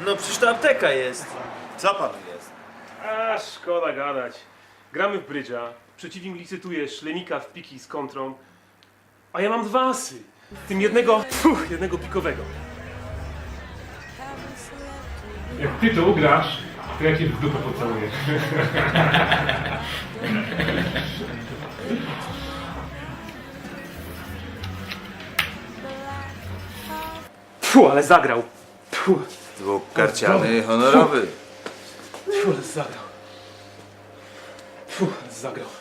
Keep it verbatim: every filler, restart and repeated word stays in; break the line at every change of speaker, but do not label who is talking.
no przecież to apteka jest.
Co panu jest?
A, szkoda gadać. Gramy w brydża, przeciwnik licytuje szlemika w piki z kontrą, a ja mam dwa asy. W tym jednego, fuh, jednego pikowego.
Jak ty to ugrasz, to ja cię w dupę pocałuję.
Fuh, ale zagrał. Fuh,
Dwukarciany honorowy.
fuh, ale zagrał. Fuh, ale zagrał.